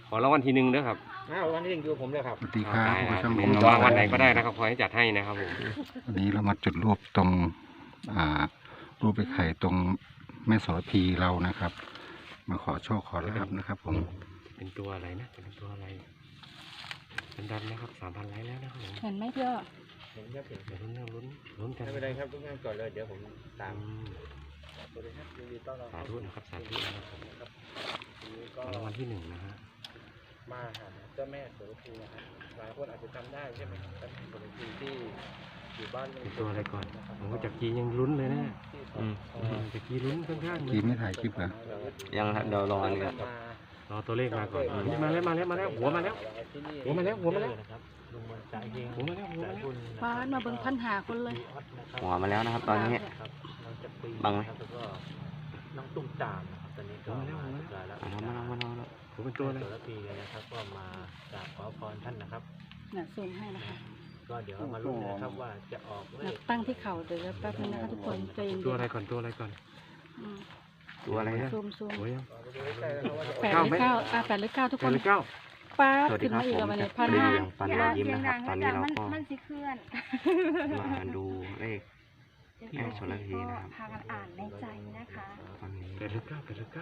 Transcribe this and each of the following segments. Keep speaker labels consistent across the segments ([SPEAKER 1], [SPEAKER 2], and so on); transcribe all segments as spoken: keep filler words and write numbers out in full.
[SPEAKER 1] ขอรางวัลทีหนึ่งด้วยครับ
[SPEAKER 2] อ้าววันที่หนึ่งอยู่ผมเลยครับ
[SPEAKER 3] สวัสดีครับคุณผู้ชม
[SPEAKER 1] ผ
[SPEAKER 3] ผม ม
[SPEAKER 1] วางวันไหนก็ได้นะครับขอให้จัดให้นะครับผม
[SPEAKER 3] วันนี้เรามาจุดรูปตรงอ่ารูปไปไข่ตรงแม่โสระพีเรานะครับ มาขอโชคขอลาบนะครับ ผม
[SPEAKER 1] เป็นตัวอะไรนะเป็นตัวอะไรเป็นดันนะครับสามพันไลค์แล้วนะครับผม
[SPEAKER 4] เห็นไหมพี่อ้อ
[SPEAKER 2] เห็นครับเห็น
[SPEAKER 1] เดี๋ยวลุ้นนะลุ้นลุ้นกัน
[SPEAKER 2] ไม่เป็นไรครับทุกท่านก่อนเลยเดี๋ยวผมตาม
[SPEAKER 1] อืม
[SPEAKER 2] สวัสดีครับยินดีต้อนรับ
[SPEAKER 1] สาธุนะครับสาธุนะครับผม
[SPEAKER 2] วันนี้
[SPEAKER 1] ข
[SPEAKER 2] ก็
[SPEAKER 1] อรางวัลที่หนึ่งนะฮะ
[SPEAKER 2] มาหาเจ้าแม่โสระพีนะครับหลายคนอาจจะจำได้ใช่ไหมครับเจ้าแม่โสระพีที่อยู่บ้าน
[SPEAKER 1] เป็นตัวอะไรก่อนผมว่าจากกียังลุ้นเลยนะ
[SPEAKER 2] อืม
[SPEAKER 1] อืมจากกีลุ้นข้างๆเลย
[SPEAKER 3] กีไม่ถ่ายคลิปเหรอ
[SPEAKER 5] ยังครับเดี๋ยวรออันนี้ครับ
[SPEAKER 1] รอตัวเลขมาก่อนนี่มาแล้วมาแล้วมาแล้วหัวมาแล้ว หัวมาแล้วหัวมาแล้ว
[SPEAKER 2] ลุงมนจ่ายเอง
[SPEAKER 1] หัวมาแล้วหัวมาแล้ว
[SPEAKER 4] ป้ามาเบิ่งพันหาคนเลย
[SPEAKER 5] หัวมาแล้วนะครับ ตอนนี้ บังไหม
[SPEAKER 2] แล้วก็น้องตุ้มตามนะครับตอนนี้ก็มาแล้วแล้ว
[SPEAKER 5] เอามาแล้วมาแล้วมาแล้ว
[SPEAKER 1] ผมเป็นตัวอะไร
[SPEAKER 2] โสระพีนะครับก็มากราบขอพรท่านนะครับ
[SPEAKER 4] น่ะซูมให้นะคะ
[SPEAKER 2] ก็เดี๋ยวมาลุ้นนะครับว่าจะออกเล
[SPEAKER 4] นั
[SPEAKER 2] ข
[SPEAKER 4] บตั้งที่เข่าเดี๋ยวแป๊บนึงนะคะทุกคนใจเย็นๆ
[SPEAKER 1] ตัวอะไรก่อนตัวอะไรก่อน
[SPEAKER 4] อืม
[SPEAKER 5] ตัวอะไรนะ
[SPEAKER 4] ซูมซูม
[SPEAKER 1] หัวยัง
[SPEAKER 4] แปดหรือเก้าอ่ะแปดหรือเก้าทุก
[SPEAKER 1] แป
[SPEAKER 4] ค
[SPEAKER 1] ด
[SPEAKER 4] น
[SPEAKER 1] หรือเก้า
[SPEAKER 4] ป้า
[SPEAKER 5] สวัสดี
[SPEAKER 4] ขึ้น
[SPEAKER 5] ครับ
[SPEAKER 4] มาอีก
[SPEAKER 5] ผม
[SPEAKER 4] แล้ววันนี้พัน
[SPEAKER 5] รี
[SPEAKER 4] ห้า
[SPEAKER 5] ยังปันยิ้มนะครับ ตอนนี้เราก็
[SPEAKER 6] มันสิเคลื่อน
[SPEAKER 5] มาดูเลขแม่โสระพีนะครับ
[SPEAKER 6] พากันอ่านในใจนะคะ
[SPEAKER 5] ตอนนี้
[SPEAKER 1] แปดหรือเก้าแปดหรือเก้า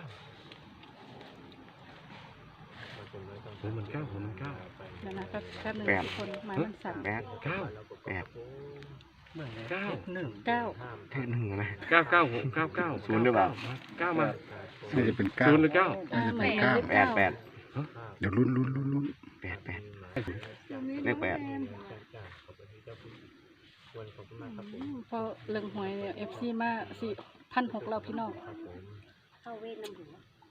[SPEAKER 1] หัวมันเก้าหัวมันเก้า
[SPEAKER 4] เดี๋ยวนะแป๊บแป๊บนึงทุกคนหมายมันสั่น
[SPEAKER 5] แปด
[SPEAKER 1] เก้า
[SPEAKER 5] แปด
[SPEAKER 1] เก้าหนึ่ง
[SPEAKER 4] เก้า
[SPEAKER 5] เท่หนึ่งนะ
[SPEAKER 1] เก้าเก้าหกเก้าเก้า
[SPEAKER 5] ศูนย์หรือเปล่า
[SPEAKER 1] เก้ามา
[SPEAKER 3] น่าจะเป็นเก้า
[SPEAKER 1] ศูนย์หรือเก้า
[SPEAKER 4] อ่าเหมือนกันหรือ
[SPEAKER 5] แป
[SPEAKER 4] เก้า
[SPEAKER 5] ดแปด
[SPEAKER 3] เดี๋ยวลุ้นลุ้นลุ้นลุ้น
[SPEAKER 5] แปดแปดเลขแปด
[SPEAKER 2] ขอบคุณมากครับผ
[SPEAKER 4] อื
[SPEAKER 2] ม
[SPEAKER 4] มพอเลิงหวยเนี่ยเอฟซีมาสี่พันหกเราพี่น้อง
[SPEAKER 2] ครับผม
[SPEAKER 6] เข้าเวทน้ำหัว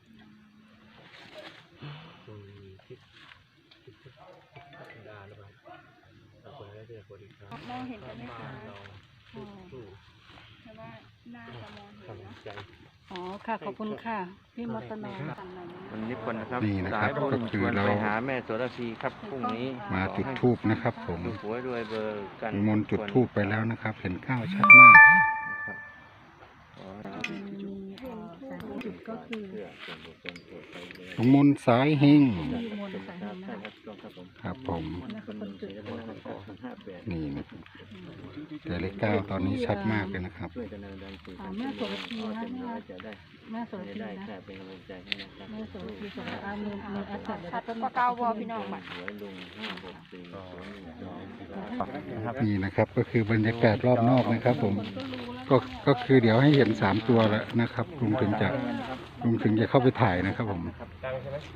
[SPEAKER 2] คุณทิพย์ทิพย์ทิพย์ดาหรือเปล่าขอบคุณได้ด้วยสวัสดีครับ
[SPEAKER 6] มองเห็นกันไหมคะ
[SPEAKER 2] เราสู้
[SPEAKER 6] เพราะว่าหน้าจะมองเห็น
[SPEAKER 2] กำลั
[SPEAKER 6] นะ
[SPEAKER 2] งใจ
[SPEAKER 4] อ๋อค่ะขอบคุณค่ะพี่มดตนอม
[SPEAKER 5] วันนี้คนนะครับ
[SPEAKER 3] นี่นะครับ
[SPEAKER 5] สายบุญ
[SPEAKER 3] ก็คือ
[SPEAKER 5] ชวน
[SPEAKER 3] เรา
[SPEAKER 5] ไปหาแม่โสระพีครับพรุ่งนี้
[SPEAKER 3] มาจุดทูบนะครับ ผม
[SPEAKER 5] ดูหัวด้วยเบอร์กัน
[SPEAKER 3] มนต์จุดทูบไปแล้วนะครับ เห็นเก้าชัดมาก
[SPEAKER 4] จุดก็คือ
[SPEAKER 3] หลวงมนต์สายเฮง
[SPEAKER 4] มีมนต์สายหงนะคะ
[SPEAKER 3] ครับผม
[SPEAKER 4] นั่นคือคนจุด
[SPEAKER 3] นี่นะครับแต่เลขเก้าตอนนี้ชัดมากเลยนะครับ
[SPEAKER 4] อ่าแม่โสระพีนะแม่โสระพีนะแม่โสระพีสระอามือมือแอดแท็ก
[SPEAKER 6] ชัดกว่าเก่าวอพี่น้องบัด
[SPEAKER 3] นี่นะครับก็คือบรรยากาศรอบนอกนะครับ ผมก็ก็คือเดี๋ยวให้เห็นสามตัวแล้วนะครับลุงถึงจะลุงถึงจะเข้าไปถ่ายนะครับ ผม
[SPEAKER 2] ดังใช่ไหม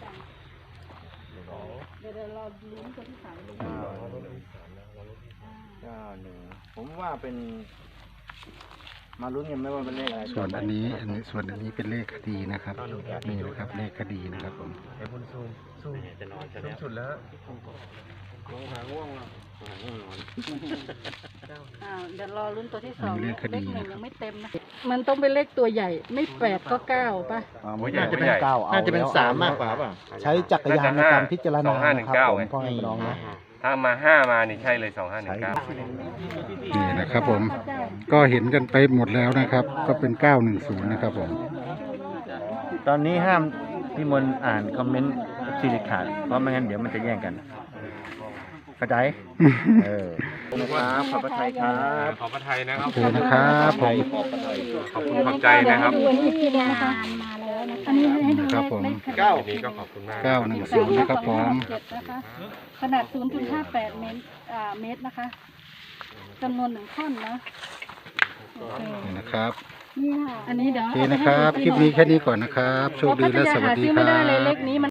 [SPEAKER 4] เดี๋ยวเราลุ้นตัวที่สามดู
[SPEAKER 5] เก้าหนึ่งผมว่าเป็นมาลุ้นกันไหมว่าเป็นเลขอะไร
[SPEAKER 3] ส่วนอันนี้อันนี้ส่วนอันนี้เป็นเลขคดีนะครับนี่นะครับเลขคดีนะครับผม
[SPEAKER 2] ไอ้คุณซูมซูม
[SPEAKER 5] จะนอนจะ
[SPEAKER 2] ซูมสุดแล้ว
[SPEAKER 5] ลงหาง่วงแล้วหาง่วงนอน
[SPEAKER 4] อ่าเดี๋ยวรอลุ้นตัวที่ส
[SPEAKER 3] อัน
[SPEAKER 4] อง
[SPEAKER 3] นี้เลขค
[SPEAKER 4] เล
[SPEAKER 3] ดี
[SPEAKER 4] ขหนึ่
[SPEAKER 3] นะ
[SPEAKER 4] ง
[SPEAKER 3] ครั
[SPEAKER 4] ยั
[SPEAKER 3] บ
[SPEAKER 4] งไม่เต็มนะมันต้องเป็นเลขตัวใหญ่ไม่แปดก็เก้าป่ะ
[SPEAKER 1] น่าจะเป็นเก้า
[SPEAKER 2] น่าจะเป็นสามมากกว่าป่ะ
[SPEAKER 7] ใช้จักรยานในการพิจารณานะครับผมพ่อแม่พี่น้องนะ
[SPEAKER 1] ถ้ามาห้ามานี่ใช่เลยสองห้าหนึ่งเก้า
[SPEAKER 3] นี่นะครับผมก็เห็นกันไปหมดแล้วนะครับ ก็เป็นเก้าหนึ่งศูนย์นะครับผม
[SPEAKER 5] ตอนนี้ห้ามพี่มนต์อ่านคอมเมนต์ซีริขาดเพราะไม่งั้นเดี๋ยวมันจะแย่งกันเข้าใจเออครับขอบพระทัยครับ
[SPEAKER 1] ขอพระไทยนะครับ
[SPEAKER 3] โอเคนะครับผม
[SPEAKER 1] ขอบคุณขอบใจนะครับ
[SPEAKER 4] ดูอันนี้อีกทีนึงนะคะ
[SPEAKER 6] มาแล้วนะ
[SPEAKER 4] อันนี้ให้ดู
[SPEAKER 3] ครับผม
[SPEAKER 4] เก้า
[SPEAKER 1] วันนี้ก็ขอบคุณมาก
[SPEAKER 3] เก้าหนึ่งศูนย์นะครับผม
[SPEAKER 4] นะคะขนาด ศูนย์จุดห้าแปด เมตรอ่าเมตรนะคะจำนวนหนึ่งท่อนนะโอเค
[SPEAKER 3] นี่นะครับ
[SPEAKER 4] นี่ค่ะอันนี้เดี๋ยว
[SPEAKER 3] โอเคนะครับคลิปนี้แค่นี้ก่อนนะครับโชคดีและสวัสดี
[SPEAKER 4] เพาะพัทยาหาซื้อ
[SPEAKER 3] ค
[SPEAKER 4] ไม่
[SPEAKER 3] รั
[SPEAKER 4] ได้เลยเล
[SPEAKER 3] บ
[SPEAKER 4] ขนี้มัน